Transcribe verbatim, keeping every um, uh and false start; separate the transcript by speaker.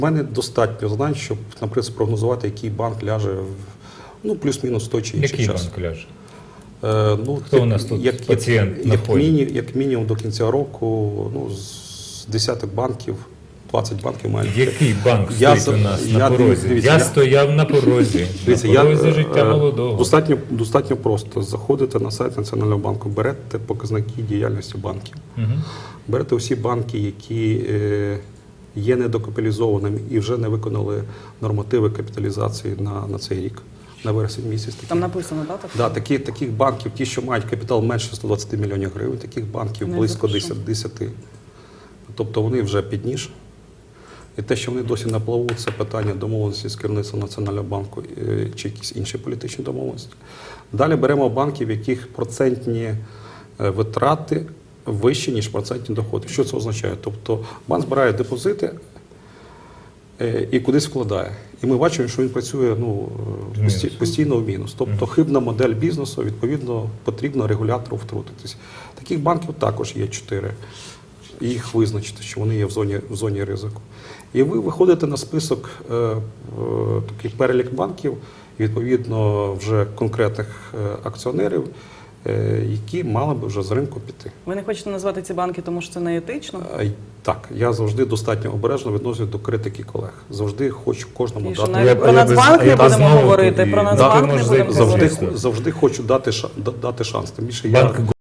Speaker 1: У мене достатньо знань, щоб, наприклад, спрогнозувати, який банк ляже в ну, плюс-мінус той чи інший
Speaker 2: Який
Speaker 1: час.
Speaker 2: банк ляже?
Speaker 1: Е, ну,
Speaker 2: Хто
Speaker 1: як,
Speaker 2: у нас тут
Speaker 1: як,
Speaker 2: пацієнт
Speaker 1: як,
Speaker 2: на
Speaker 1: як,
Speaker 2: полі?
Speaker 1: міні, як мінімум до кінця року ну, з десяток банків, двадцять банків мають.
Speaker 2: Який банк
Speaker 1: Я
Speaker 2: стоїть
Speaker 1: за-
Speaker 2: у нас
Speaker 1: я
Speaker 2: на порозі?
Speaker 1: дивіться,
Speaker 2: я,
Speaker 1: я-
Speaker 2: стояв на порозі.
Speaker 1: Дивіться,
Speaker 2: на
Speaker 1: я,
Speaker 2: порозі життя
Speaker 1: е,
Speaker 2: молодого.
Speaker 1: Достатньо, достатньо просто. Заходите на сайт Національного банку, берете показники діяльності банків.
Speaker 2: Угу.
Speaker 1: Берете усі банки, які е, є недокапіталізованими і вже не виконали нормативи капіталізації на, на цей рік, на вересень місяць. Такі.
Speaker 3: Там написано, так? Так?
Speaker 1: Да, такі, таких банків, ті, що мають капітал менше сто двадцять мільйонів гривень, таких банків
Speaker 3: Не
Speaker 1: близько
Speaker 3: запишу.
Speaker 1: десять. Тобто вони вже під ніж. І те, що вони досі на плаву, це питання домовленості з керівництвом Національного банку е, чи якісь інші політичні домовленості. Далі беремо банки, в яких процентні е, витрати вищі, ніж процентні доходи. Що це означає? Тобто банк збирає депозити е, і кудись вкладає. І ми бачимо, що він працює ну,
Speaker 2: В мінус.
Speaker 1: пості- постійно в мінус. Тобто хибна модель бізнесу, відповідно, потрібно регулятору втрутитись. Таких банків також є чотири. Їх визначити, що вони є в зоні, в зоні ризику. І ви виходите на список, е, е, такий перелік банків, і, відповідно, вже конкретних е, акціонерів, е, які мали би вже з ринку піти.
Speaker 3: Ви не хочете назвати ці банки, тому що це не етично?
Speaker 1: Е, Так, я завжди достатньо обережно відношусь до критики колег. Завжди хочу кожному
Speaker 3: І що
Speaker 1: дати.
Speaker 3: навіть
Speaker 2: Я-
Speaker 3: про
Speaker 2: я
Speaker 3: Нацбанк
Speaker 2: без-
Speaker 3: не
Speaker 2: я без
Speaker 3: будемо
Speaker 2: знову
Speaker 3: говорити,
Speaker 2: тоді-
Speaker 3: про
Speaker 2: Да,
Speaker 3: Нацбанк
Speaker 2: ти
Speaker 3: не
Speaker 2: можеш
Speaker 3: будемо
Speaker 2: зайти
Speaker 3: говорити.
Speaker 1: Завжди, завжди хочу дати, ша- да- дати шанс. Тим більше
Speaker 2: Банк
Speaker 1: я